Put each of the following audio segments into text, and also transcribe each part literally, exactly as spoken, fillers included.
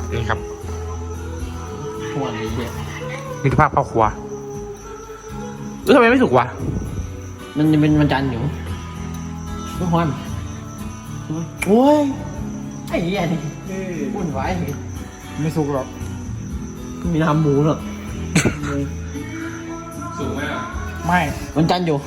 นี่ครับหัวนี้เนี่ยมิตรภาพครอบครัวเออทำไมไม่สุกวะมันจะเป็นวันจันทร์อยู่ทุกคนโอ้ยไอ้เหี้ยนี่วุ่นวายนี่ไม่สุกหรอกมีน้ำหมูหรอกสูงไหมอ่ะไม่วันจันทร์อยู่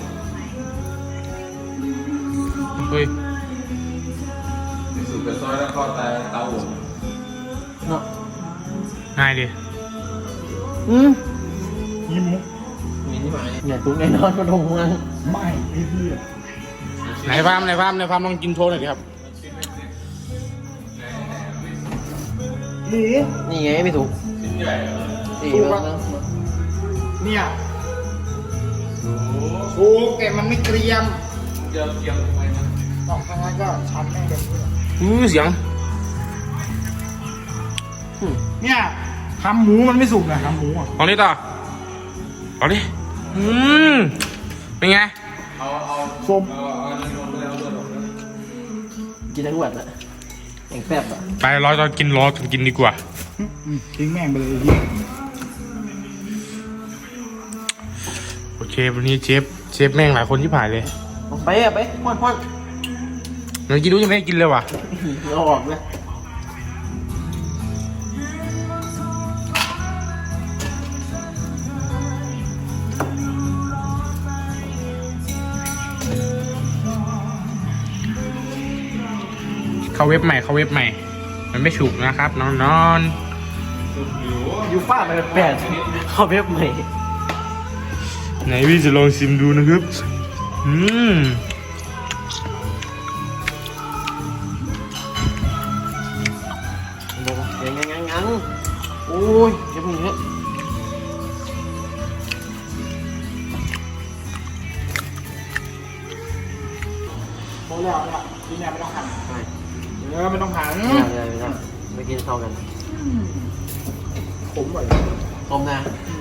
เฮ้ยที่สุดเป็นซอยแล้วก็ตายเตาหัวเนาะง่ายดิอืมยิ้มมุกมีนี่มาเนี่ยตุ้งแน่นอนมาตรงมันไม่ไอ้เหี้ยไหนฟาร์มไหนฟาร์มไหนฟาร์มลองกินโชว์หน่อยดิครับหมูนี่ไงไม่ถูกชิ้นใหญ่เหรอนี่ถูกมาปะเนี่ยสุกแต่มันไม่เกรียมเกี่ยวเกี่ยวทำไมนะสองครั้งนั้นก็ช้ำแม่งแบบนี้อือเสียงเนี่ยทำหมูมันไม่สุกนะทำหมูอ่ะลองดิต่อลองดิอืมเป็นไงเอาเอาส้มเอาเอาเงินลงไปแล้วด้วยหรอกนะกินทั้งวันอะแข่งแซ่บอะไปรอตอนกินรอตอนกินดีกว่าอืมทิ้งแม่งไปเลยไอ้เหี้ยโอเควันนี้เชฟเชฟแม่งหลายคนที่ผ่านเลยเอาไปอะไปพ่อนพ่อนเดี๋ยวกินรู้ยังไม่ได้กินเลยว่ะเอาออกเลยเข้าเว็บใหม่เข้าเว็บใหม่ มันไม่ฉุกนะครับนอนนอนยูฟ่าไปแปดเข้าเว็บใหม่ไหนพี่จะลองชิมดูนะครับอืมยังยังยังยังโอ้ยเดี๋ยวมึงเยอะพอแล้วเนี่ยทีเนี่ยไม่ต้องหั่นไม่เออไม่ต้องหั่นไม่ได้ไม่ได้ไม่ได้ไม่กินเข้ากันขมกว่าต้มนะ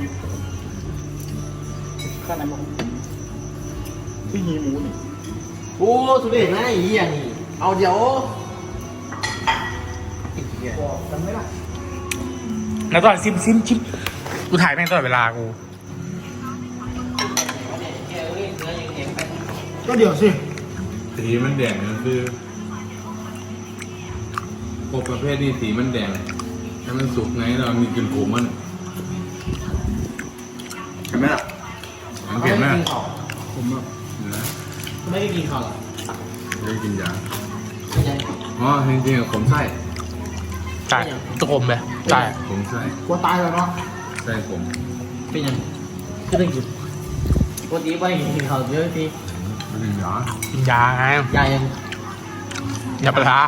ข้างในมันที่หีหมูนี่โอ้สุดเด็ดนะไอ้เหี้ยนี่เอาเดี๋ยวไอ้เหี้ยบอกกันไหมล่ะแล้วตอนซิมซิมชิมกูถ่ายแม่งตลอดเวลากูก็เดี๋ยวสิสีมันแดงมันคือพวกประเภทนี้สีมันแดงถ้ามันสุกไงเรามีกลิ่นขมมันเห็นไหมล่ะสังเกตไหมผมแบบนะไม่ได้กินข้าวหรอไม่ได้กินยาไม่ใช่อ๋อจริงๆขมไส้ใช่ตะกลมเลยใช่ขมไส้กลัวตายแล้วเนาะไส้ขมเป็นยังคือต้องกินปกติไปกินข้าวเยอะทีไม่กินยากินยาไงยายังยาปลา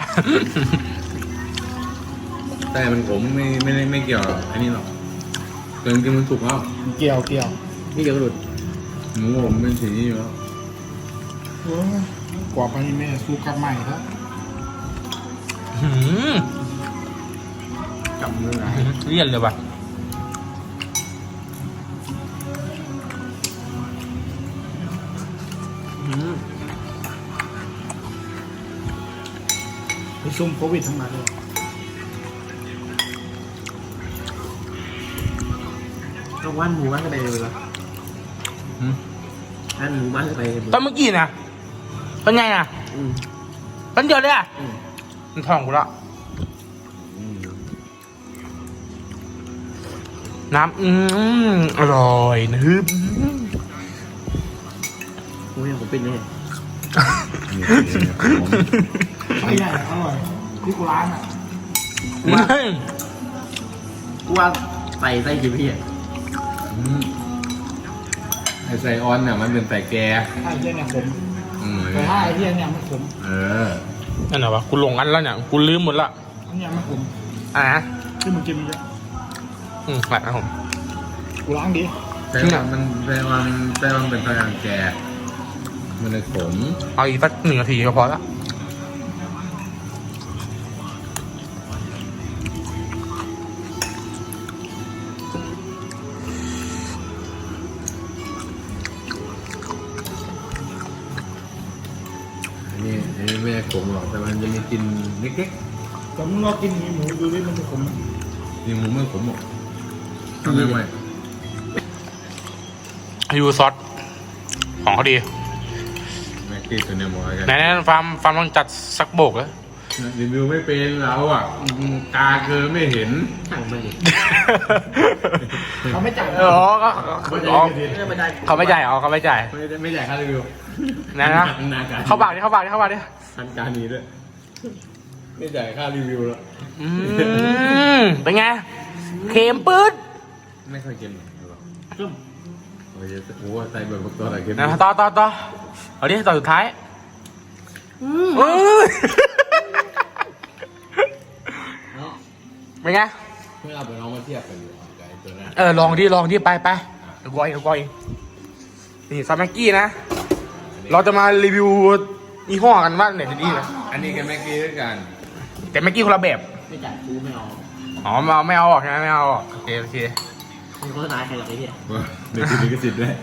ไส้มันขมไม่ไม่ได้ไม่เกี่ยวกับอันนี้หรอกแต่จริงๆมันสุกแล้วเกี่ยวเกี่ยวนี่เดี๋ยวหลุดหมูผมเป็นสีนี้อยู่แล้วเออกว่าไปนี่แม่สู้กับใหม่ครับหืมจับมือไงเลี่ยนเลยว่ะอืมไปซุ่มโควิดทั้งนั้นเลยต้องว่านหมูว่านกันไปเลยเหรอหืมว่านหมูว่านกันไปเลยตอนเมื่อกี้นะเป็นไงอ่ะอืมเป็นเดียวเลยอ่ะอืมมันท้องกูละน้ำอืมอร่อยนะฮึบโอ้ยผมเป็นแน่ไม่ใหญ่อะอร่อยที่กูร้านอ่ะกูว่ากูว่าใส่ใส่กี่พี่อ่ะอืมไอไซออนเนี่ยมันเป็นไส่แกไอ้เหี้ยเนี่ยขมอืมแต่ถ้าไอ้เหี้ยเนี่ยไม่ขมเออนั่นเหรอวะกูหลงอันแล้วเนี่ยกูลืมหมดละอันเนี้ยไม่ขมอ่ะที่มึงกินเยอะอืมหลักนะผมกูล้างดีไซออนมันไซออนไซออนเป็นพลังแก มันเลยขมเอาอีกสักหนึ่งนาทีก็พอละอันนี้อันนี้ไม่ได้ขมหรอกแต่มันจะมีกลิ่นเล็กแต่มึงลองกินหมีหมูดูดิมันจะขมไหมนี่หมูไม่ขมหรอกทำไม่ไหวยูซอสของเขาดีแม็กกี้ตัวเนี่ยหมอกันไหนๆฟาร์มฟาร์มลองจัดสักโบกเลยรีวิวไม่เป็นเราอ่ะตาเกินไม่เห็นห่างไปดิเขาไม่จ่ายอ๋อก็อ๋อไม่ได้เขาไม่จ่ายอ๋อเขาไม่จ่ายไม่ได้ไม่จ่ายค่ารีวิวนะนะเข้าปากดิเข้าปากดิเข้าปากดิทันการนี้ด้วยไม่จ่ายค่ารีวิวแล้วอืมเป็นไงเค็มปื๊ดไม่ค่อยเค็มหรอกจุ่มโอ้ยโอ้โหใส่แบบตัวอะไรเค็มนะต่อต่อต่อเอาดิต่อสุดท้ายเออเป็นไงเมื่อเอาไปน้องมาเทียบกันอยู่กับไอ้ตัวนั้นเออลองดิลองดิไปไปเดี๋ยวกอยเดี๋ยวกอยนี่ซาแม็กกี้นะ เราจะมารีวิวยี่ห้อกันว่าไหนจะดีนะอันนี้กับแม็กกี้ด้วยกันแต่แม็กกี้คนละแบบไม่จ่ายกูไม่เอาอ๋อไม่เอาไม่เอาออกใช่ไหมไม่เอาออกโอเคโอเคมีโฆษณาใครหรอกไอ้เหี้ยเดี๋ยวกินลิขสิทธิ์ด้วย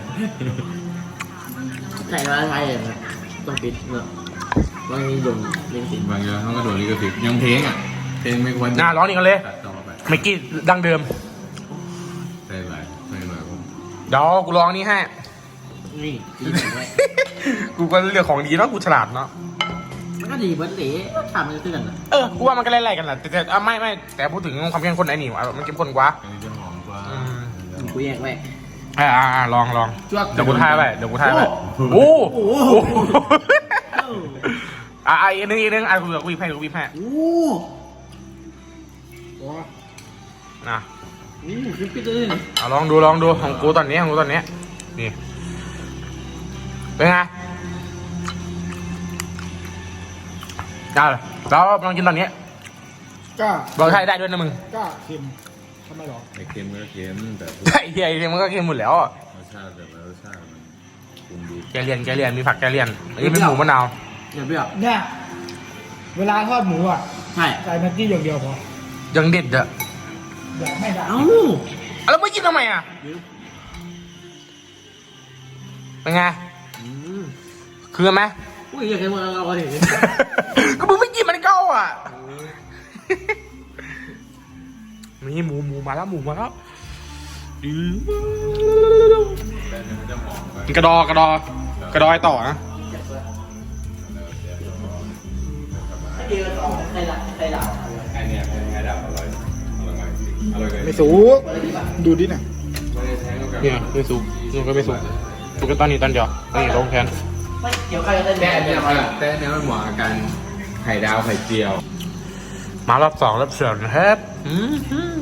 ใส่มาอะไรอ่ะต้องปิดเนอะบางทีโดนเล่นสิบางอย่างเขาก็โดนลิขสิทธิ์ยังเพลงอ่ะเพลงไม่ควรน่าร้องนี่กันเลยตัดต่อไปแม็กกี้ดั้งเดิมใส่หลายใส่หลายผมเดี๋ยวกูลองนี่ให้นี่ดีไว้กูก็เลือกของดีเนาะกูฉลาดเนาะมันก็ดีเบิร์ดเหล่ทำมันคือกันนะเออกูว่ามันก็ไล่ๆกันแหละแต่แต่อ่ะไม่ไม่แต่พูดถึงความเข้มข้นไอ้นี่อ่ะมันเข้มข้นกว่าอันนี้จะหอมกว่าอืมกูแยกไว้อ่าอ่าอ่าลองลองจวกเดี๋ยวกูทายไปเดี๋ยวกูทายไปโอ้โอ้โหโหอ่ะอ่ะอีกนึงอีกนึงอ่ะกูกูวิบให้กูวิบให้โอ้ว้าอ่ะโหคลิปปิดเลยนี่เอาลองดูลองดูของกูตอนนี้ของกูตอนนี้นี่เป็นไงได้เลยแล้วลองกินตอนนี้กล้าลองใช้ได้ด้วยนะมึงกล้าเค็มทำไมหรอไอ้เค็มก็เค็มแต่ไอ้เหี้ยไอ้เหี้ยมันก็เค็มหมดแล้วอ่ะรสชาติแต่ละรสชาติมันปรุงดีแกเลียนแกเลียนมีผักแกเลียนอันนี้เป็นหมูมะนาวอย่าเปรี้ยวเนี่ยเวลาทอดหมูอ่ะใช่ใส่แม็กกี้อย่างเดียวพอยังเด็ดอ่ะอยากไม่ได้เอ้าแล้วไม่กินทำไมอ่ะเป็นไงอืมคือไหมอุ้ยอยากให้มึงเอาเอาดิก็มึงไม่กินมันก็อ่ะนี่หมูหมูมาแล้วหมูมาแล้วดื้อแต่เนี่ยมันจะหอมกว่ากระดอกระดอกระดอยต่อนะเดียวต่อใครละใครละไอ้เนี่ยเป็นไงดับอร่อยอร่อยมากจริงอร่อยเลยไม่สูงดูดิน่ะไม่ได้แทงกับเนี่ยไม่สุกนี่ก็ไม่สุกสุกก็ตอนนี้ตอนเดียวนี่ลงแทนไม่เกี่ยวใครได้แต่อันเนี่ยมันแต่อันเนี่ยมันเหมาะกับการไข่ดาวไข่เจียวมารอบสองรอบเสริมนะครับอืม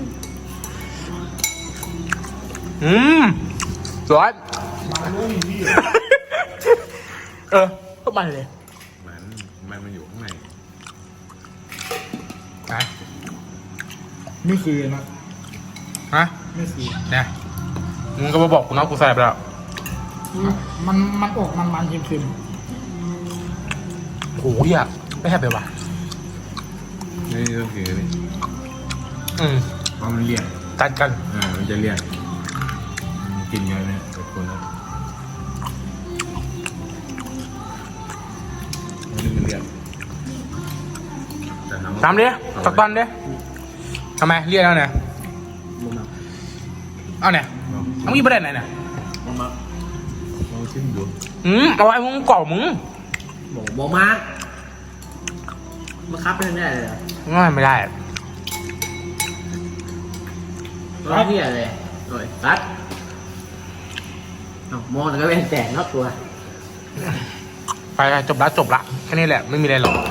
อืมสวยมาด้วยนี่พี่เออก็มันเลยมันมันมันอยู่ข้างในนะไม่คือนะฮะไม่คือเนี่ยมึงก็มาบอกกูนะกูใส่ไปแล้วมันมันออกมันมันๆเค็มโอ้ยอ่ะไม่แค่ไปว่ะนี่ก็คือนี่อืมเพราะมันเลี่ยนจัดกันอ่ามันจะเลี่ยนมันกินเยอะเนี่ยแต่คนละอันนี้มันเลี่ยนแต่ทำตามดิสักตอนดิทำไมเรียกแล้วเนี่ยมึงมาเอาเนี่ยเอามีประเด็นไหนเนี่ยมึงมาลองชิมดูอืมเอาไว้มึงกรอบมึงบอกบอกมามาคับเป็นได้เลยง่ายไม่ได้ร้อยที่อะไรโอ้ยตัดมองแล้วก็เป็นแตกนอกตัวไปจบละจบละแค่นี้แหละไม่มีอะไรหรอก